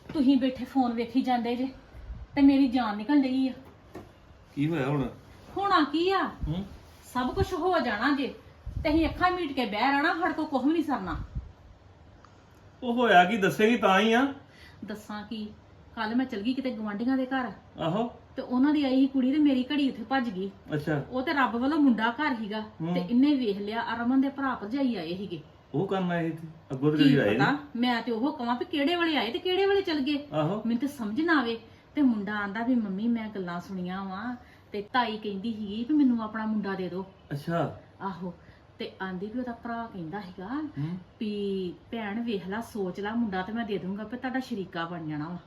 ਤੁਸੀਂ ਬੈਠੇ ਫੋਨ ਵੇਖੀ ਜਾਂਦੇ ਜੇ ਤੇ ਮੇਰੀ ਜਾਨ ਨਿਕਲ ਰਹੀ ਆ। ਕੀ ਹੋਇਆ ਹੁਣ? ਹੋਣਾ ਕੀ ਆ? ਹੂੰ। ਸਭ ਕੁਝ ਹੋ ਜਾਣਾ ਜੇ ਤੇ ਅਸੀਂ ਅੱਖਾਂ ਮੀਟ ਕੇ ਬਹਿ ਰਹਿਣਾ, ਸਾਡੇ ਕੋਲ ਕੁਝ ਵੀ ਨਹੀਂ ਸਰਨਾ। ਉਹ ਹੋਇਆ ਕੀ ਦੱਸੇਗੀ ਤਾਂ ਹੀ ਆ। ਦੱਸਾਂ ਕੀ, ਕੱਲ ਮੈਂ ਚਲ ਗਈ ਕਿਤੇ ਗਵਾਂਢੀਆਂ ਦੇ ਘਰ ਆਹੋ। ਤੇ ਉਹਨਾਂ ਦੀ ਆਈ ਸੀ ਕੁੜੀ ਤੇ ਮੇਰੀ ਘੜੀ ਉੱਥੇ ਭੱਜ ਗਈ। ਅੱਛਾ। ਉਹ ਤੇ ਰੱਬ ਵੱਲੋਂ ਮੁੰਡਾ ਘਰ ਹੀਗਾ ਤੇ ਇਹਨੇ ਵੇਖ ਲਿਆ। ਅਰਮਨ ਦੇ ਭਰਾ ਭਰਜਾਈ ਆਏ ਸੀਗੇ। ਉਹ ਕੰਮ ਆਏ ਸੀ ਅੱਗੋਂ ਤੇ ਕੀ ਕਦੀ ਆਏ ਪਤਾ, ਨੀ। ਮੈਂ ਤੇ ਉਹ ਕਹਾਂ ਵੀ ਕਿਹੜੇ ਵੇਲੇ ਆਏ ਤੇ ਕਿਹੜੇ ਵੇਲੇ ਚਲ ਗਏ। ਆਹੋ। ਮੈਨੂੰ ਤੇ ਸਮਝ ਨਾ ਆਵੇ। ਤੇ ਮੁੰਡਾ ਆਂਦਾ ਵੀ ਮੰਮੀ ਮੈਂ ਗੱਲਾਂ ਸੁਣੀਆਂ ਵਾ ਤੇ ਤਾਈ ਕਹਿੰਦੀ ਸੀਗੀ ਵੀ ਮੈਨੂੰ ਆਪਣਾ ਮੁੰਡਾ ਦੇ ਦਿਓ। ਅੱਛਾ। ਆਹੋ। ਤੇ ਆਂਦੀ ਵੀ ਉਹਦਾ ਭਰਾ ਕਹਿੰਦਾ ਸੀਗਾ ਹੂੰ। ਵੀ ਭੈਣ ਵੇਖ ਲੈ, ਸੋਚ ਲੈ, ਮੁੰਡਾ ਤੇ ਮੈਂ ਦੇ ਦੂੰਗਾ ਵੀ ਤੁਹਾਡਾ ਸ਼ਰੀਕਾ ਬਣ ਜਾਣਾ ਵਾ।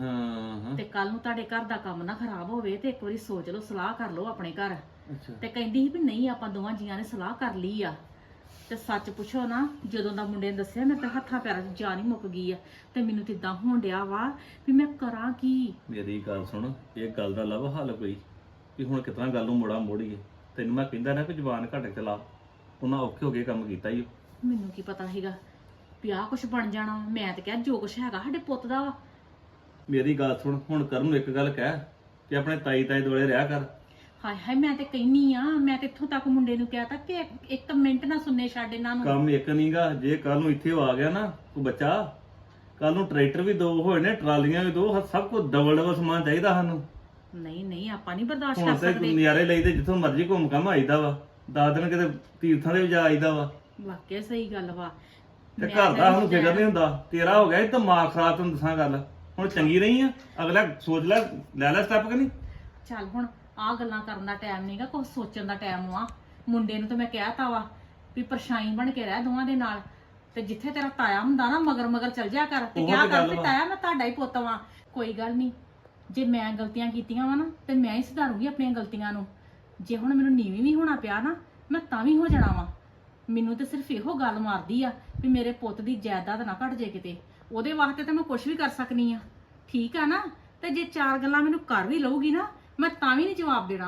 ਹਾਂ। ਤੇ ਕੱਲ ਨੂੰ ਤੁਹਾਡੇ ਘਰ ਦਾ ਕੰਮ ਨਾ ਖਰਾਬ ਹੋਵੇ ਤੇ ਇੱਕ ਵਾਰੀ ਸੋਚ ਲਓ, ਸਲਾਹ ਕਰ ਲਓ ਆਪਣੇ ਘਰ। ਅੱਛਾ। ਤੇ ਕਹਿੰਦੀ ਸੀ ਵੀ ਨਹੀਂ, ਆਪਾਂ ਦੋਵਾਂ ਜੀਆਂ ਨੇ ਸਲਾਹ ਕਰ ਲਈ ਆ। ਤੇ ਸੱਚ ਪੁੱਛੋ ਨਾ, ਜਦੋਂ ਦਾ ਮੁੰਡੇ ਨੇ ਦੱਸਿਆ ਮੈਂ ਤਾਂ ਹੱਥਾਂ ਪੈਰਾਂ 'ਚ ਜਾਨ ਹੀ ਮੁੱਕ ਗਈ ਆ। ਤੇ ਮੈਨੂੰ ਤੇ ਇਦਾਂ ਹੋਣ ਡਿਆ ਵਾ ਵੀ ਮੈਂ ਕਰਾਂ ਕੀ। ਮੇਰੀ ਗੱਲ ਸੁਣ, ਇਹ ਗੱਲ ਦਾ ਲੱਭ ਹੱਲ ਕੋਈ ਵੀ ਹੁਣ ਕਿਤਨਾ ਗੱਲ ਨੂੰ ਮੋੜੀਏ। ਤੈਨੂੰ ਮੈਂ ਕਹਿੰਦਾ ਨਾ ਕਿ ਜ਼ੁਬਾਨ ਘੱਟ ਚਲਾ, ਉਹਨਾਂ ਔਖੇ ਹੋ ਕੇ ਕੰਮ ਕੀਤਾ ਹੀ। ਮੈਨੂੰ ਕੀ ਪਤਾ ਸੀਗਾ ਵੀ ਆਹ ਕੁਛ ਬਣ ਜਾਣਾ। ਮੈਂ ਤੇ ਕਿਹਾ ਜੋ ਕੁਛ ਹੈਗਾ ਸਾਡੇ ਪੁੱਤ ਦਾ ਵਾ। ਮੇਰੀ ਗੱਲ ਸੁਣ, ਹੁਣ ਕਰਨ ਨੂੰ ਇੱਕ ਗੱਲ ਕਹਿ ਕਿ ਆਪਣੇ ਤਾਈ ਦੁਆਲੇ ਰਿਹਾ ਕਰ। ਹਾਏ ਹਾਏ, ਮੈਂ ਤੇ ਕਹਿਨੀ ਆ, ਮੈਂ ਤੇ ਇੱਥੋਂ ਤੱਕ ਮੁੰਡੇ ਨੂੰ ਕਿਹਾ ਤਾਂ ਕਿ ਇੱਕ ਮਿੰਟ ਨਾ ਸੁਣਨੇ ਛੱਡ ਇਹਨਾਂ ਨੂੰ। ਕੰਮ ਇੱਕ ਨਹੀਂਗਾ, ਜੇ ਕੱਲ ਨੂੰ ਇੱਥੇ ਆ ਗਿਆ ਨਾ ਤੂੰ ਬੱਚਾ, ਕੱਲ ਨੂੰ ਟਰੈਕਟਰ ਵੀ ਦੋ ਹੋਏ ਨੇ, ਟਰਾਲੀਆਂ ਵੀ ਦੋ, ਸਭ ਕੁਝ ਡਬਲ ਸਮਾਨ ਚਾਹੀਦਾ ਸਾਨੂੰ। ਨਹੀਂ ਨਹੀਂ, ਆਪਾਂ ਨਹੀਂ ਬਰਦਾਸ਼ਤ ਕਰ ਹੁਣ ਤੇ ਸਕਦੇ। ਨਜ਼ਾਰੇ ਲਈਦੇ ਜਿੱਥੋਂ ਮਰਜ਼ੀ ਘੁੰਮ ਘਾਮ ਆਈਦਾ ਵਾ। 10 ਦਿਨ ਕਿਤੇ ਤੀਰਥਾਂ ਦੇ ਵੀ ਜਾ ਆਈਦਾ ਵਾ। ਵਾਕਿਆ ਸਹੀ ਗੱਲ ਵਾ। ਤੇ ਮੈਂ ਘਰ ਦਾ ਤਾਂ ਸਾਨੂੰ ਫਿਕਰ ਨਹੀਂ ਹੁੰਦਾ। ਤੇਰਾ ਹੋ ਗਿਆ ਇਹ ਦਿਮਾਗ ਖਰਾਬ, ਤੈਨੂੰ ਦੱਸਾਂ ਗੱਲ। ਹੁਣ ਚੰਗੀ ਰਹੀ ਆ, ਅਗਲਾ ਸੋਚ ਲੈ ਸਟੈਪ ਕਿ ਨਹੀਂ। ਚੱਲ ਹੁਣ ਆਹ ਗੱਲਾਂ ਕਰਨ ਦਾ ਟਾਈਮ ਨਹੀਂਗਾ, ਕੁਝ ਸੋਚਣ ਦਾ ਟਾਈਮ ਵਾ। ਮੁੰਡੇ ਨੂੰ ਤਾਂ ਮੈਂ ਕਹਿਤਾ ਵਾ ਵੀ ਪਰਛਾਈ ਬਣ ਕੇ ਰਹਿ ਦੋਵਾਂ ਦੇ ਨਾਲ। ਤੇ ਜਿੱਥੇ ਤੇਰਾ ਤਾਇਆ ਹੁੰਦਾ ਨਾ, ਮਗਰ ਮਗਰ ਚੱਲ ਜਾ ਕਰ ਤੇ ਉਹ ਕਿਹਾ ਤੇ ਕਰ ਗੱਲ ਵੀ ਵਾ। ਤਾਇਆ ਮੈਂ ਤੁਹਾਡਾ ਹੀ ਪੁੱਤ ਵਾਂ। ਕੋਈ ਗੱਲ ਨਹੀਂ, ਜੇ ਮੈਂ ਗਲਤੀਆਂ ਕੀਤੀਆਂ ਵਾ ਨਾ ਤੇ ਮੈਂ ਹੀ ਸੁਧਾਰੂਗੀ ਆਪਣੀਆਂ ਗਲਤੀਆਂ ਨੂੰ। ਜੇ ਹੁਣ ਮੈਨੂੰ ਨੀਵੀਂ ਵੀ ਹੋਣਾ ਪਿਆ ਨਾ, ਮੈਂ ਤਾਂ ਵੀ ਹੋ ਜਾਣਾ ਵਾ। ਮੈਨੂੰ ਤੇ ਸਿਰਫ ਇਹੋ ਗੱਲ ਮਾਰਦੀ ਆ ਵੀ ਮੇਰੇ ਪੁੱਤ ਦੀ ਜਾਇਦਾਦ ਨਾ ਘਟ ਜੇ ਕਿਤੇ। ਉਹਦੇ ਵਾਸਤੇ ਤਾਂ ਮੈਂ ਕੁਝ ਵੀ ਕਰ ਸਕਨੀ ਆ, ਠੀਕ ਆ ਨਾ। ਤੇ ਜੇ ਚਾਰ ਗੱਲਾਂ ਮੈਨੂੰ ਕਰ ਵੀ ਲਊਗੀ ਨਾ, ਮੈਂ ਤਾਂ ਵੀ ਨਹੀਂ ਜਵਾਬ ਦੇਣਾ।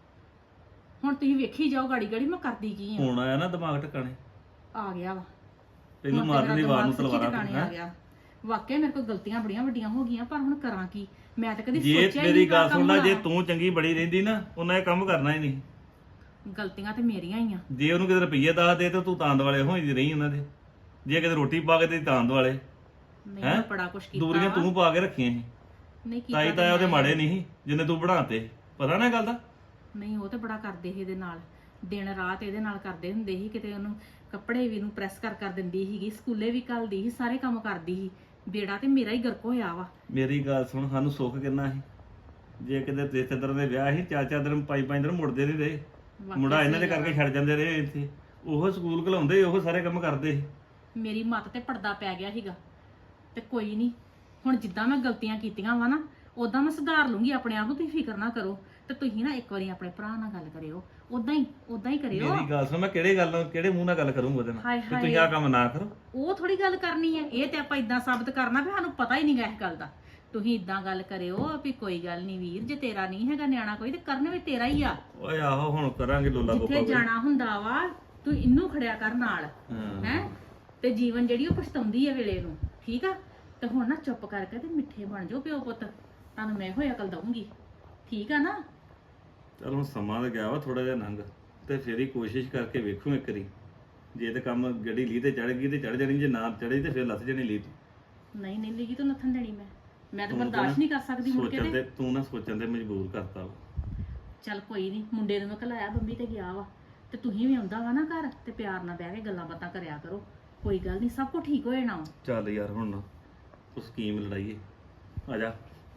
ਹੁਣ ਤੁਸੀਂ ਵੇਖੀ ਜਾਓ ਗਾੜੀ ਗਾੜੀ ਮੈਂ ਕਰਦੀ ਕੀ ਆ। ਹੁਣ ਆਇਆ ਨਾ ਦਿਮਾਗ ਟਿਕਾਣੇ, ਆ ਗਿਆ ਵਾ ਤੈਨੂੰ ਹੁਣ ਤੇ ਮਾਰਨ ਦੀ ਮੇਰਾ ਵਾਰ ਨੂੰ ਦਿਮਾਗ ਸੱਚੀ ਤਲਵਾਰਾਂ ਟਿਕਾਣੇ ਆ ਗਿਆ। ਵਾਕਿਆ ਮੇਰੇ ਕੋਲ ਗਲਤੀਆਂ ਬੜੀਆਂ ਵੱਡੀਆਂ ਹੋ ਗਈਆਂ, ਪਰ ਹੁਣ ਕਰਾਂ ਕੀ। ਮੈਂ ਤਾਂ ਕਦੀ ਜੇ ਸੋਚਿਆ ਹੀ ਮੇਰੀ ਨਹੀਂ ਗੱਲ ਸੁਣ ਲੈ, ਜੇ ਕੰਮ ਤੂੰ ਚੰਗੀ ਬੜੀ ਰਹਿੰਦੀ ਨਾ, ਉਹਨਾਂ ਇਹ ਕੰਮ ਕਰਨਾ ਹੀ ਨਹੀਂ। ਹੋਣਾ। ਗਲਤੀਆਂ ਤੇ ਮੇਰੀਆਂ ਹੀ ਆ। ਜੇ ਉਹਨੂੰ ਕਿਤੇ ਰੁਪਈਏ ਦੱਸ ਦੇ ਤੇ ਤੂੰ ਤਾਂਦ ਵਾਲੇ ਹੋਈ ਰਹੀ ਉਹਨਾਂ ਦੇ। ਜੇ ਕਿਤੇ ਰੋਟੀ ਪਾ ਕੇ ਤੇ ਤਾਂਦ ਵਾਲੇ। ਨਹੀਂ ਹੈਂ? ਮੈਂ ਬੜਾ ਕੁਛ ਕੀਤਾ ਦੂਰੀਆਂ ਵਾ। ਤੂੰ ਪਾ ਕੇ ਰੱਖੀਆਂ ਸੀ। ਨਹੀਂ ਕੀਤਾ ਤਾਈ ਤੇ ਤਾਇਆ ਉਹਦੇ ਮੈਂ- ਮਾੜੇ ਨਹੀਂ ਸੀ ਜਿੰਨੇ ਤੂੰ ਬਣਾਤੇ। ਪਤਾ ਨਾ ਇਹ ਗੱਲ ਦਾ। ਨਹੀਂ, ਉਹ ਤੇ ਬੜਾ ਕਰਦੇ ਸੀ ਇਹਦੇ ਨਾਲ। ਦਿਨ ਰਾਤ ਇਹਦੇ ਨਾਲ ਕਰਦੇ ਹੁੰਦੇ ਸੀ। ਕਿਤੇ ਉਹਨੂੰ ਕੱਪੜੇ ਵੀ ਨੂੰ ਪ੍ਰੈਸ ਕਰ ਦਿੰਦੀ ਸੀਗੀ, ਸਕੂਲੇ ਵੀ ਘੱਲਦੀ ਸੀ, ਸਾਰੇ ਕੰਮ ਕਰਦੀ ਸੀ। ਬੇੜਾ ਤੇ ਮੇਰਾ ਹੀ ਗਰਕ ਹੋਇਆ ਵਾ। ਮੇਰੀ ਗੱਲ ਸੁਣ, ਸਾਨੂੰ ਸੁੱਖ ਕਿੰਨਾ ਸੀ। ਜੇ ਕਿਤੇ ਰਿਸ਼ਤੇਦਾਰ ਦੇ ਵਿਆਹ ਸੀ, 4-4 ਦਿਨ 5-5 ਦਿਨ ਮੁੜਦੇ ਨਹੀਂ ਰਹੇ। ਵਾਕਿਆ ਮੁੰਡਾ ਇਹਨਾਂ ਦੇ ਸਹੀ ਕਰਕੇ ਛੱਡ ਜਾਂਦੇ ਰਹੇ ਇੱਥੇ। ਉਹ ਸਕੂਲ ਘਲਾਉਂਦੇ, ਉਹ ਸਾਰੇ ਕੰਮ ਕਰਦੇ ਸੀ। ਮੇਰੀ ਮੱਤ ਤੇ ਪਰਦਾ ਪੈ ਗਿਆ ਸੀਗਾ। ਤੇ ਕੋਈ ਨਹੀਂ, ਹੁਣ ਜਿੱਦਾਂ ਮੈਂ ਗਲਤੀਆਂ ਕੀਤੀਆਂ ਵਾ ਨਾ, ਉਦਾਂ ਮੈਂ ਸੁਧਾਰ ਲੂੰਗੀ ਆਪਣੇ ਆਪ ਨੂੰ। ਤੁਸੀਂ ਫਿਕਰ ਨਾ ਕਰੋ। ਤੇ ਤੁਸੀਂ ਨਾ ਇੱਕ ਵਾਰੀ ਆਪਣੇ ਭਰਾ ਨਾਲ ਗੱਲ ਕਰਿਓ, ਉਦਾਂ ਹੀ ਕਰਿਓ। ਮੇਰੀ ਗੱਲ ਸੁਣ, ਮੈਂ ਕਿਹੜੇ ਮੂੰਹ ਨਾਲ ਗੱਲ ਕਰੂੰਗਾ ਉਹਦੇ ਨਾਲ ਹਾਏ ਕਿ ਤੁਸੀਂ ਆਹ ਕੰਮ ਨਾ ਕਰੋ। ਉਹ ਥੋੜੀ ਗੱਲ ਕਰਨੀ ਹੈ। ਇਹ ਤੇ ਆਪਾਂ ਇਦਾਂ ਸਾਬਤ ਕਰਨਾ ਵੀ ਸਾਨੂੰ ਪਤਾ ਹੀ ਨਹੀਂਗਾ ਇਸ ਗੱਲ ਦਾ। ਤੁਸੀਂ ਇਦਾਂ ਗੱਲ ਕਰਿਓ ਵੀ ਕੋਈ ਗੱਲ ਨਹੀਂ ਵੀਰ, ਜੇ ਤੇਰਾ ਨਹੀਂ ਹੈਗਾ ਨਿਆਣਾ ਕੋਈ, ਤੇ ਕਰਨ ਵੀ ਤੇਰਾ ਹੀ ਆ। ਓਏ ਆਹੋ, ਹੁਣ ਕਰਾਂਗੇ ਲੋਲਾ ਜਿੱਥੇ ਗੋਪਾ ਜਾਣਾ ਹੁੰਦਾ ਵਾ, ਤੂੰ ਇਹਨੂੰ ਖੜਿਆ ਕਰ ਨਾਲ। ਹਾਂ। ਹੈ ਤੇ ਜੀਵਨ ਜਿਹੜੀ ਉਹ ਪਛਤਾਉਂਦੀ ਹੈ ਵੇਲੇ ਨੂੰ, ਠੀਕ ਆ। ਤੇ ਹੁਣ ਨਾ ਚੁੱਪ ਕਰਕੇ ਤੇ ਮਿੱਠੇ ਬਣ ਜਾਓ ਪਿਓ ਪੁੱਤ। ਤੁਹਾਨੂੰ ਮੈਂ ਹੋਇਆ ਅਕਲ ਦਊਂਗੀ, ਠੀਕ ਆ ਨਾ। ਚਲ ਹੁਣ ਸਮਾਂ ਤਾਂ ਗਿਆ ਵਾ ਥੋੜਾ ਜਿਹਾ ਲੰਘ, ਤੇ ਫਿਰ ਹੀ ਕੋਸ਼ਿਸ਼ ਕਰਕੇ ਵੇਖੂ ਇੱਕ ਵਾਰੀ। ਜੇ ਤੇ ਕੰਮ ਗੱਡੀ ਲੀ ਤੇ ਚੜ ਗਈ ਤੇ ਚੜ ਜਾਣੀ, ਜੇ ਨਾ ਚੜੀ ਤੇ ਫਿਰ ਲੱਥ ਜਾਣੀ ਲੀ। ਨਹੀਂ ਨਹੀਂ ਲਈ ਤੂੰ ਨੱਥਣ ਦੇਣੀ। ਮੈਂ ਤਾਂ ਤੂੰ ਬਰਦਾਸ਼ਤ ਨਹੀਂ ਕਰ ਸਕਦੀ ਮੁੜ ਕੇ ਸੋਚਣ ਤੇ। ਤੇ ਤੂੰ ਨਾ ਸੋਚਣ ਤੇ ਮਜਬੂਰ ਕਰਤਾ ਵਾ। ਚੱਲ ਕੋਈ ਨਹੀਂ, ਮੁੰਡੇ ਨੂੰ ਮੈਂ ਘਲਾਇਆ, ਬੰਬੀ ਤੇ ਗਿਆ ਵਾ। ਤੇ ਤੁਸੀਂ ਵੀ ਆਉਂਦਾ ਵਾ ਨਾ ਘਰ, ਤੇ ਪਿਆਰ ਨਾਲ ਬਹਿ ਕੇ ਗੱਲਾਂ ਬਾਤਾਂ ਕਰਿਆ ਕਰੋ। ਕੋਈ ਗੱਲ ਨਹੀਂ, ਸਭ ਕੁਝ ਠੀਕ ਹੋ ਜਾਣਾ ਵਾ। ਚੱਲ ਯਾਰ ਹੁਣ ਨਾ ਤੂੰ ਸਕੀਮ ਲੜਾਈਏ। ਆ ਜਾ,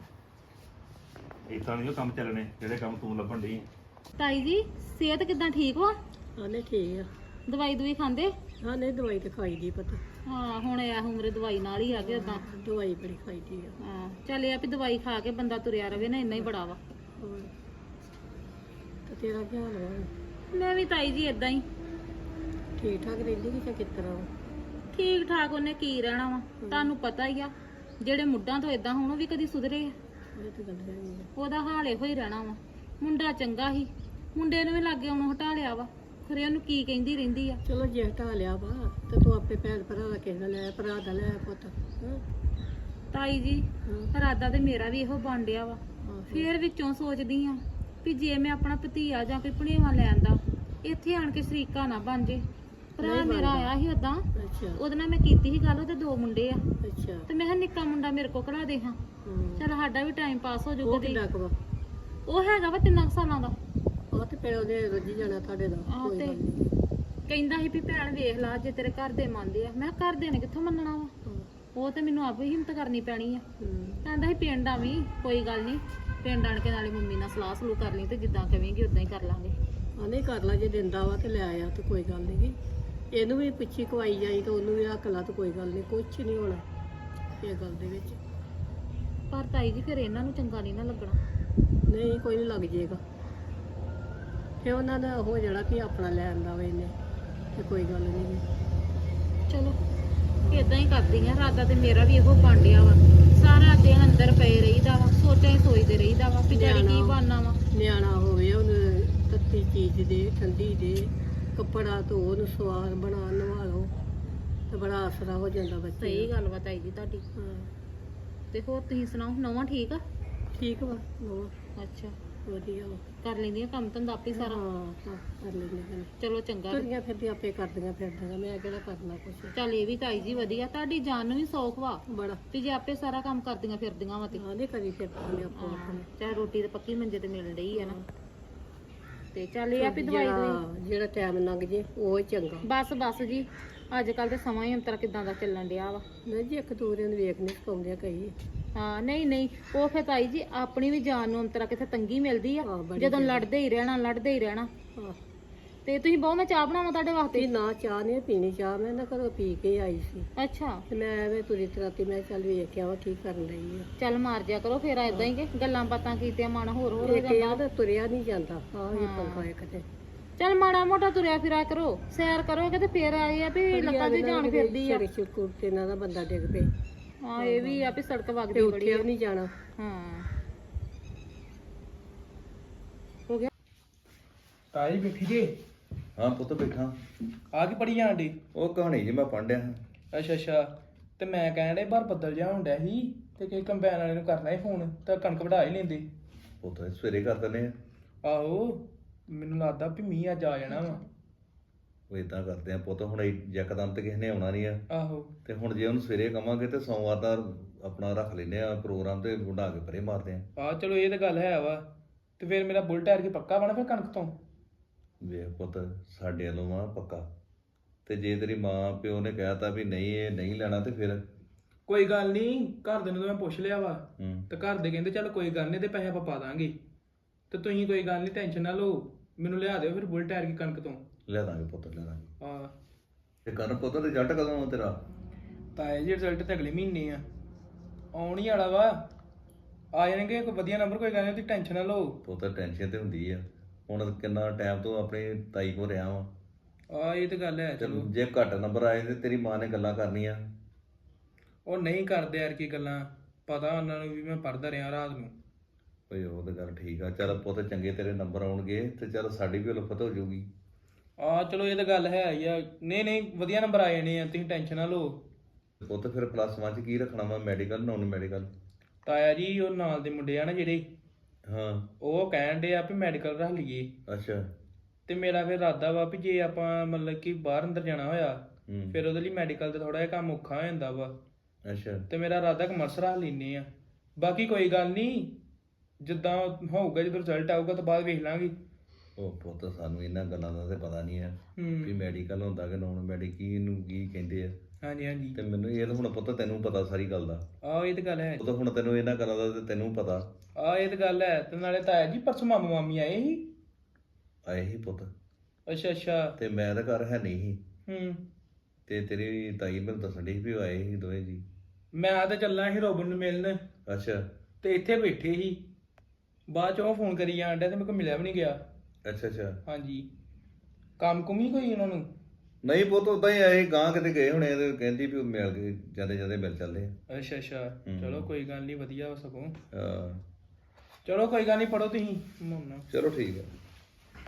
ਇਦਾਂ ਨਹੀਂ ਉਹ ਕੰਮ ਚੱਲਣੇ ਜਿਹੜੇ ਕੰਮ ਤੂੰ ਲੱਭਣ ਡਈ ਆਂ। ਤਾਈ ਜੀ, ਸਿਹਤ ਕਿਦਾਂ, ਠੀਕ ਵਾ? ਆਨੇ ਠੀਕ ਆ। ਦਵਾਈ ਦੂਈ ਖਾਂਦੇ? ਹਾਂ ਨਹੀਂ, ਦਵਾਈ ਤੇ ਖਾਈ ਦੀ ਪਤਾ। ਹਾਂ, ਹੁਣ ਇਹ ਉਮਰੇ ਦਵਾਈ ਨਾਲ ਹੀ ਆ ਗਏ ਉਦਾਂ। ਦਵਾਈ ਬੜੀ ਖਾਈ ਦੀ ਆ। ਹਾਂ, ਚੱਲ ਇਹ ਆ ਵੀ ਦਵਾਈ ਖਾ ਕੇ ਬੰਦਾ ਤੁਰਿਆ ਰਵੇ ਨਾ, ਇੰਨਾ ਹੀ ਬੜਾ ਵਾ। ਹੋਰ ਤੇ ਤੇਰਾ ਕੀ ਹਾਲ ਵਾ? ਮੈਂ ਵੀ ਤਾਈ ਜੀ ਇਦਾਂ ਹੀ ਠੀਕ ਠਾਕ ਰਹਿੰਦੀ ਕਿ ਜਾਂ ਕਿਸ ਤਰ੍ਹਾਂ ਵਾ? ਠੀਕ ਠਾਕ। ਉਹਨੇ ਕੀ ਰਹਿਣਾ ਵਾ, ਤੁਹਾਨੂੰ ਪਤਾ ਹੀ ਆ। ਜਿਹੜੇ ਮੁੱਢਾਂ ਤੋਂ ਇਦਾਂ ਹੁਣ ਉਹ ਵੀ ਕਦੀ ਸੁਧਰੇ ਆ? ਇਹ ਤੇ ਗੱਲ ਹੈਗੀ ਆ। ਉਹਦਾ ਹਾਲ ਇਹੋ ਹੀ ਰਹਿਣਾ ਵਾ। ਮੁੰਡਾ ਚੰਗਾ ਸੀ, ਮੁੰਡੇ ਨੂੰ ਵੀ ਲਾਗੇ ਉਹਨੂੰ ਹਟਾ ਲਿਆ ਵਾ। ਖਰੇ ਉਹਨੂੰ ਕੀ ਕਹਿੰਦੀ ਰਹਿੰਦੀ ਆ। ਚਲੋ ਜੇ ਹਟਾ ਲਿਆ ਵਾ ਤੇ ਤੂੰ ਆਪੇ ਭੈਣ ਭਰਾ ਦਾ ਕਿਸੇ ਦਾ ਲੈ, ਭਰਾ ਦਾ ਲੈ ਪੁੱਤ। ਹਾਂ ਤਾਈ ਜੀ ਇਰਾਦਾ ਤੇ ਮੇਰਾ ਵੀ ਇਹੋ ਬਣ ਡਿਆ ਵਾ ਫੇਰ ਵਿੱਚੋਂ ਸੋਚਦੀ ਆ ਵੀ ਜੇ ਮੈਂ ਆਪਣਾ ਭਤੀਆ ਜਾਂ ਕੋਈ ਭਣੇਵਾ ਲੈਂਦਾ ਇੱਥੇ ਆਣ ਕੇ ਸ਼ਰੀਕਾ ਨਾ ਬਣ ਜੇ। ਭਰਾ ਮੇਰਾ ਆਇਆ ਸੀ ਉਦਾਂ, ਉਹਦੇ ਨਾਲ ਮੈਂ ਕੀਤੀ ਸੀ ਗੱਲ, ਉਹਦੇ 2 ਮੁੰਡੇ ਆ ਤੇ ਮੈਂ ਕਿਹਾ ਨਿੱਕਾ ਮੁੰਡਾ ਮੇਰੇ ਕੋਲ ਕਢਾ ਦੇ ਹਾਂ, ਚਲ ਸਾਡਾ ਵੀ ਟਾਈਮ ਪਾਸ ਹੋ ਜਾਊਗਾ। ਉਹ ਹੈਗਾ ਵਾ 3 ਸਾਲਾਂ ਦਾ। ਉਹ ਤੇ ਫਿਰ ਉਹਦੇ ਰੱਜੀ ਜਾਣਾ ਤੁਹਾਡੇ ਦਾ। ਆਹ ਤੇ ਕਹਿੰਦਾ ਸੀ ਵੀ ਭੈਣ ਵੇਖ ਲਾ ਜੇ ਤੇਰੇ ਘਰ ਦੇ ਮੰਨਦੇ ਆ। ਮੈਂ ਕਿਹਾ ਘਰ ਦੇ ਨੇ ਕਿੱਥੋਂ ਮੰਨਣਾ ਵਾ, ਉਹ ਤੇ ਮੈਨੂੰ ਆਪ ਹੀ ਹਿੰਮਤ ਕਰਨੀ ਪੈਣੀ ਆ। ਕਹਿੰਦਾ ਸੀ ਪਿੰਡ ਆਵੀਂ, ਕੋਈ ਗੱਲ ਨਹੀਂ, ਪਿੰਡ ਆਣ ਕੇ ਨਾਲੇ ਮੰਮੀ ਨਾਲ ਸਲਾਹ ਸਲੂਹ ਕਰ ਲਈ ਤੇ ਜਿੱਦਾਂ ਕਵੇਂਗੀ ਉਦਾਂ ਹੀ ਕਰ ਲਾਂਗੇ। ਨਹੀਂ ਕਰ ਲਾ, ਜੇ ਦਿੰਦਾ ਵਾ ਤੇ ਲੈ ਆਇਆ ਤੇ ਕੋਈ ਗੱਲ ਨਹੀਂ। ਇਹਨੂੰ ਵੀ ਪਿੱਛੇ ਖਵਾਈ ਜਾਈ ਤੇ ਉਹਨੂੰ ਵੀ ਰੱਖ ਲਾ ਤੇ ਕੋਈ ਗੱਲ ਨਹੀਂ, ਕੁਛ ਨਹੀਂ ਹੋਣਾ ਇਹ ਗੱਲ ਦੇ ਵਿੱਚ। ਪਰ ਤਾਈ ਜੀ ਫਿਰ ਇਹਨਾਂ ਨੂੰ ਚੰਗਾ ਨਹੀਂ ਨਾ ਲੱਗਣਾ। ਨਹੀਂ ਕੋਈ ਨਹੀਂ, ਲੱਗ ਜਾਏਗਾ ਫਿਰ ਉਹਨਾਂ ਦਾ ਹੋ ਜਾਣਾ ਕਿ ਆਪਣਾ ਲੈ ਆਂਦਾ ਵਾ ਇਹਨੇ ਤੇ ਕੋਈ ਗੱਲ ਨਹੀਂ। ਚਲੋ ਇਦਾਂ ਹੀ ਕਰਦੀ ਆ, ਇਰਾਦਾ ਤੇ ਮੇਰਾ ਵੀ ਇਹੋ ਬਣ ਡਿਆ ਵਾ। ਸਾਰਾ ਦਿਨ ਅੰਦਰ ਪਏ ਰਹੀਦਾ ਵਾ, ਸੋਚਦੇ ਰਹੀਦਾ ਵਾ ਵੀ ਡੈਡੀ ਕੀ ਬਣਨਾ ਵਾ। ਨਿਆਣਾ ਹੋਵੇ ਉਹਨੂੰ ਤੱਤੀ ਚੀਜ਼ ਦੇ, ਠੰਡੀ ਦੇ, ਕੱਪੜਾ ਧੋ, ਉਹਨੂੰ ਸਵਾਦ ਬਣਾ, ਨਵਾ ਲਓ ਤੇ ਬੜਾ ਆਸਰਾ ਹੋ ਜਾਂਦਾ ਬੱਚੇ। ਸਹੀ ਗੱਲ ਵਾ ਤਾਈ ਜੀ ਤੁਹਾਡੀ। ਤੇ ਹੋਰ ਤੁਸੀਂ ਸੁਣਾਓ, ਨਵਾਂ ਠੀਕ ਆ? ਠੀਕ ਵਾ ਨਵਾਂ, ਅੱਛਾ ਵਧੀਆ ਵਾ, ਕਰ ਲੈਂਦੀਆਂ ਕੰਮ ਧੰਦਾ ਆਪੇ ਸਾਰਾ? ਹਾਂ ਕਰ ਲੈਂਦੇ। ਚਲੋ ਚੰਗਾ। ਤੁਰੀਆਂ ਫਿਰਦੀਆਂ ਆਪੇ ਕਰਦੀਆਂ ਫਿਰਦੀਆਂ, ਮੈਂ ਕਿਹੜਾ ਕਰਨਾ ਕੁਛ। ਚੱਲ ਇਹ ਵੀ ਤਾਈ ਜੀ ਵਧੀਆ, ਤੁਹਾਡੀ ਜਾਨ ਨੂੰ ਵੀ ਸੌਖ ਵਾ ਬੜਾ ਵੀ ਜੇ ਆਪੇ ਸਾਰਾ ਕੰਮ ਕਰਦੀਆਂ ਫਿਰਦੀਆਂ ਵਾ ਤੇ। ਹਾਂ ਨਹੀਂ ਕਰੀ ਫਿਰਦੀਆਂ ਆਪੋ ਆਪਣੇ। ਚਾਹੇ ਰੋਟੀ ਤੇ ਪੱਕੀ ਮੰਜੇ ਤੇ ਮਿਲ ਰਹੀ ਆ ਨਾ। ਤੇ ਚੱਲ ਇਹ ਆ ਵੀ ਦਵਾਈ ਜਿਹੜਾ ਟਾਈਮ ਲੰਘ ਜੇ ਉਹ ਹੀ ਚੰਗਾ। ਬਸ ਜੀ, ਅੱਜ ਕੱਲ ਤੇ ਸਮਾਂ ਹੀ ਅੰਤਰ ਕਿਦਾਂ ਦਾ ਚੱਲਣ ਡਿਆ ਵਾ। ਨਹੀਂ ਜੀ ਇੱਕ ਦੂਰੇ ਨੂੰ ਵੇਖ ਨਹੀਂ ਪਾਉਂਦੇ ਕਈ। ਹਾਂ ਨਹੀਂ ਉਹ ਫਿਰ ਤਾਈ ਜੀ ਆਪਣੀ ਵੀ ਜਾਨ ਨੂੰ ਅੰਤਰਾ ਕਿਥੇ ਤੰਗੀ ਮਿਲਦੀ ਆ ਜਦੋਂ ਲੜਦੇ ਹੀ ਰਹਿਣਾ। ਤੇ ਤੁਸੀਂ ਬਹੁਤ, ਮੈਂ ਚਾਹ ਬਣਾਵਾਂ ਤੁਹਾਡੇ ਵਾਸਤੇ? ਨਾ ਚਾਹ ਨਹੀਂ ਪੀਣੀ, ਚਾਹ ਮੈਂ ਨਾ ਘਰੋਂ ਪੀ ਕੇ ਆਈ ਸੀ। ਅੱਛਾ। ਤੇ ਮੈਂ ਐਵੇਂ ਤੁਰੀ ਤਰਾਤੀ, ਮੈਂ ਚੱਲ ਵੇਖ ਕੇ ਆਵਾਂ ਕੀ ਕਰਨ ਰਹੀ ਆ। ਚੱਲ ਮਾਰ ਜਿਆ ਕਰੋ ਫੇਰ ਏਦਾਂ ਹੀ ਕਿ ਗੱਲਾਂ ਬਾਤਾਂ ਕੀਤੀਆਂ ਮਨ ਹੋਰ ਹੋ ਜਾਂਦਾ। ਤੁਰਿਆ ਨਹੀਂ ਜਾਂਦਾ। ਹਾਂ ਇਹ ਪੰਗਾ ਇੱਕ ਤੇ। ਚੱਲ ਮਾੜਾ ਮੋਟਾ ਤੁਰਿਆ ਫਿਰਿਆ ਕਰੋ, ਸੈਰ ਕਰੋਗੇ ਤੇ ਫੇਰ ਆਏ ਆ ਵੀ ਲੱਤਾਂ ਦੀ ਜਾਨ ਫਿਰਦੀ ਆ। ਕੁਰਤੇ ਨਾਲ ਦਾ ਬੰਦਾ ਡਿੱਗ ਪਏ। ਹਾਂ ਇਹ ਵੀ ਆ ਵੀ ਸੜਕ ਵਗਦੀ ਬੜੀ ਉੱਠਿਆ ਨਹੀਂ ਜਾਣਾ। ਹਾਂ ਹੋ ਗਿਆ। ਤਾਈ ਬੈਠੀ ਜੇ? ਹਾਂ ਪੁੱਤ ਬੈਠਾ। ਆ ਕੀ ਪੜੀ ਜਾਣ ਡੀ? ਉਹ ਕਹਾਣੀ ਜੀ ਮੈਂ ਪੜ੍ਹ ਰਿਹਾ। ਅੱਛਾ ਤੇ ਮੈਂ ਕਹਿਣ ਡੇ ਬਾਹਰ ਬੱਦਲ ਜਿਹਾ ਹੁੰਦਾ ਸੀ ਤੇ ਕਿਸੇ ਕੰਬਾਈਨ ਵਾਲੇ ਨੂੰ ਕਰਨਾ ਸੀ ਫੋਨ ਤਾਂ ਕਣਕ ਵਢਾ ਹੀ ਲੈਂਦੇ। ਪੁੱਤ ਸਵੇਰੇ ਕਰ ਦਿੰਦੇ ਆ। ਆਹੋ ਮੈਨੂੰ ਲੱਗਦਾ ਵੀ ਮੀਂਹ ਅੱਜ ਆ ਜਾਣਾ ਵਾ। ਉਹ ਇਦਾਂ ਕਰਦੇ ਆ ਪੁੱਤ, ਹੁਣ ਯਕਦਮ ਤੇ ਕਿਸੇ ਨੇ ਆਉਣਾ ਨਹੀਂ ਆ। ਆਹੋ ਤੇ ਹੁਣ ਜੇ ਉਹਨੂੰ ਸਵੇਰੇ ਕਵਾਂਗੇ ਤੇ ਸੋਮਵਾਰ ਦਾ ਆਪਣਾ ਰੱਖ ਲੈਨੇ ਆ ਪ੍ਰੋਗਰਾਮ ਤੇ ਵਢਾ ਕੇ ਪਰੇ ਮਾਰਦੇ ਆ। ਚਲੋ ਇਹ ਤਾਂ ਗੱਲ ਹੈ ਵਾ। ਤੇ ਫਿਰ ਮੇਰਾ ਬੁਲਟ ਟਾਇਰ ਕੀ ਪੱਕਾ ਬਣਾ ਫਿਰ ਕਣਕ ਤੋਂ? ਵੇਖ ਪੁੱਤ ਸਾਡੇ ਵੱਲੋਂ ਆ ਪੱਕਾ, ਤੇ ਜੇ ਤੇਰੀ ਮਾਂ ਪਿਓ ਨੇ ਕਹਿਤਾ ਵੀ ਨਹੀਂ ਇਹ ਨਹੀਂ ਲੈਣਾ ਤੇ ਫਿਰ? ਕੋਈ ਗੱਲ ਨਹੀਂ, ਘਰ ਦੇ ਨੂੰ ਤਾਂ ਮੈਂ ਪੁੱਛ ਲਿਆ ਵਾ ਤੇ ਘਰ ਦੇ ਕਹਿੰਦੇ ਚੱਲ ਕੋਈ ਗੱਲ ਨਹੀਂ ਤੇ ਪੈਸੇ ਆਪਾਂ ਪਾ ਦਾਂਗੇ। ਤੇ ਤੁਸੀਂ ਕੋਈ ਗੱਲ ਨਹੀਂ, ਟੈਨਸ਼ਨ ਨਾ ਲਓ, ਮੈਨੂੰ ਲਿਆ ਦਿਓ ਫਿਰ ਬੁਲਟ ਟਾਇਰ ਕੀ ਕਣਕ ਤੋਂ। ਲੈ ਦਾਂਗੇ ਪੁੱਤ ਲੈ ਦਾਂਗੇ। ਹਾਂ ਤੇ ਕਰਨ ਪੁੱਤ ਰਿਜ਼ਲਟ ਕਦੋਂ ਆ ਤੇਰਾ? ਤਾਂ ਇਹ ਜੀ ਰਿਜ਼ਲਟ ਤੇ ਅਗਲੇ ਮਹੀਨੇ ਆ, ਆਉਣ ਹੀ ਵਾਲਾ ਵਾ। ਆ ਜਾਣਗੇ ਕੋਈ ਵਧੀਆ ਨੰਬਰ, ਕੋਈ ਗੱਲ ਨਹੀਂ, ਤੁਸੀਂ ਟੈਨਸ਼ਨ ਨਾ ਲਓ। ਪੁੱਤ ਟੈਨਸ਼ਨ ਤੇ ਹੁੰਦੀ ਆ, ਹੁਣ ਕਿੰਨਾ ਟਾਈਮ ਤੋਂ ਆਪਣੀ ਤਾਈ ਕੋਲ ਰਿਹਾ ਵਾ। ਇਹ ਤਾਂ ਗੱਲ ਹੈ। ਚਲੋ ਜੇ ਘੱਟ ਨੰਬਰ ਆਏ ਤੇ ਤੇਰੀ ਮਾਂ ਨੇ ਗੱਲਾਂ ਕਰਨੀਆਂ। ਉਹ ਨਹੀਂ ਕਰਦੇ ਯਾਰ ਕੀ ਗੱਲਾਂ, ਪਤਾ ਉਹਨਾਂ ਨੂੰ ਵੀ ਮੈਂ ਪੜ੍ਹਦਾ ਰਿਹਾ ਰਾਤ ਨੂੰ। ਓਏ ਉਹ ਤਾਂ ਗੱਲ ਠੀਕ ਆ, ਚੱਲ ਪੁੱਤ ਚੰਗੇ ਤੇਰੇ ਨੰਬਰ ਆਉਣਗੇ ਤੇ ਚੱਲ ਸਾਡੀ ਵੀ ਉਲਫਤ ਹੋ ਜਾਊਗੀ। ਚਲੋ ਇਹ ਤਾਂ ਗੱਲ ਹੈ ਹੀ ਆ। ਨਹੀਂ ਵਧੀਆ ਨੰਬਰ ਆ ਜਾਣੇ ਆ, ਤੁਸੀਂ ਟੈਨਸ਼ਨ ਨਾ ਲਓ। ਪੁੱਤ ਫਿਰ +1 ਚ ਕੀ ਰੱਖਣਾ ਵਾ, ਮੈਡੀਕਲ ਨੌਨ ਮੈਡੀਕਲ? ਤਾਇਆ ਜੀ ਉਹ ਨਾਲ ਦੇ ਮੁੰਡੇ ਆ ਨਾ ਜਿਹੜੇ, ਹਾਂ ਉਹ ਕਹਿਣ ਡੇ ਆ ਵੀ ਮੈਡੀਕਲ ਰੱਖ ਲਈਏ। ਅੱਛਾ। ਤੇ ਮੇਰਾ ਫਿਰ ਇਰਾਦਾ ਵਾ ਵੀ ਜੇ ਆਪਾਂ ਮਤਲਬ ਕਿ ਬਾਹਰ ਅੰਦਰ ਜਾਣਾ ਹੋਇਆ ਫਿਰ ਉਹਦੇ ਲਈ ਮੈਡੀਕਲ ਤੇ ਥੋੜਾ ਜਿਹਾ ਕੰਮ ਔਖਾ ਹੋ ਜਾਂਦਾ ਵਾ। ਅੱਛਾ। ਤੇ ਮੇਰਾ ਇਰਾਦਾ ਕਮਰਸ ਰੱਖ ਲੈਨੇ ਆ। ਬਾਕੀ ਕੋਈ ਗੱਲ ਨਹੀਂ, ਜਿੱਦਾਂ ਹੋਊਗਾ, ਜਦੋਂ ਰਿਜ਼ਲਟ ਆਊਗਾ ਤਾਂ ਬਾਅਦ ਵੇਖ ਲਾਂਗੇ। ਉਹ ਪੁੱਤ ਸਾਨੂੰ ਇਹਨਾਂ ਗੱਲਾਂ ਦਾ ਤੇ ਪਤਾ ਨਹੀਂ ਹੈ ਵੀ ਮੈਡੀਕਲ ਹੁੰਦਾ ਕਿ ਨੌਨ ਮੈਡੀਕਲ ਨੂੰ ਕੀ ਕਹਿੰਦੇ ਆ। ਹਾਂਜੀ ਤੇ ਮੈਨੂੰ ਇਹ ਤਾਂ ਹੁਣ ਪੁੱਤ ਤੈਨੂੰ ਪਤਾ ਸਾਰੀ ਗੱਲ ਦਾ। ਇਹ ਤਾਂ ਗੱਲ ਹੈ। ਉਹ ਤਾਂ ਹੁਣ ਤੈਨੂੰ ਇਹਨਾਂ ਗੱਲਾਂ ਦਾ ਤੇ ਤੈਨੂੰ ਪਤਾ। ਇਹ ਤਾਂ ਗੱਲ ਹੈ। ਤੇ ਨਾਲੇ ਤਾਇਆ ਜੀ ਪਰਸੋਂ ਮਾਮਾ ਮਾਮੀ ਆਏ ਸੀ। ਆਏ ਹੀ ਪੁੱਤ? ਅੱਛਾ। ਤੇ ਮੈਂ ਤਾਂ ਘਰ ਹੈ ਨਹੀਂ ਸੀ। ਤੇ ਤੇਰੀ ਤਾਈ ਮੈਨੂੰ ਦੱਸਣ ਡਈ ਸੀ ਵੀ ਉਹ ਆਏ ਸੀ ਦੋਵੇਂ ਜੀ। ਮੈਂ ਤਾਂ ਚੱਲਣਾ ਸੀ ਰੋਬਨ ਨੂੰ ਮਿਲਣ। ਅੱਛਾ। ਤੇ ਇੱਥੇ ਬੈਠੇ ਸੀ, ਬਾਅਦ ਚੋਂ ਫੋਨ ਕਰੀ ਜਾਣ ਡਿਆ ਤੇ ਮੇਰੇ ਕੋਲ ਮਿਲਿਆ ਵੀ ਨਹੀਂ ਗਿਆ। ਅੱਛਾ। ਹਾਂਜੀ, ਕੰਮ ਕੁਮੀ ਕੋਈ ਉਹਨਾਂ ਨੂੰ? ਨਹੀਂ ਪੁੱਤ ਉਦਾਂ ਹੀ ਆਏ, ਗਾਂ ਕਿਤੇ ਗਏ ਹੋਣੇ ਤੇ ਕਹਿੰਦੀ ਵੀ ਮਿਲ ਕੇ ਜਾਂਦੇ ਮਿਲ ਚੱਲਦੇ ਆ। ਅੱਛਾ ਚਲੋ ਕੋਈ ਗੱਲ ਨਹੀਂ, ਵਧੀਆ ਹੋ ਸਗੋਂ। ਹਾਂ ਚਲੋ ਕੋਈ ਗੱਲ ਨਹੀਂ, ਪੜੋ ਤੁਸੀਂ। ਚਲੋ ਠੀਕ ਹੈ।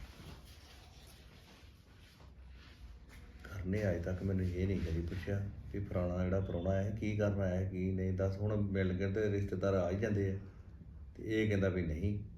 ਕਰਨੇ ਅਜੇ ਤੱਕ ਮੈਨੂੰ ਇਹ ਨਹੀਂ ਕਦੀ ਪੁੱਛਿਆ ਵੀ ਫਲਾਣਾ ਜਿਹੜਾ ਪ੍ਰਾਹੁਣਾ ਹੈ ਕੀ ਕਰਨ ਆਇਆ ਕੀ ਨਹੀਂ, ਦੱਸ ਹੁਣ ਮਿਲ ਕੇ ਤੇ ਰਿਸ਼ਤੇਦਾਰ ਆ ਹੀ ਜਾਂਦੇ ਆ, ਤੇ ਇਹ ਕਹਿੰਦਾ ਵੀ ਨਹੀਂ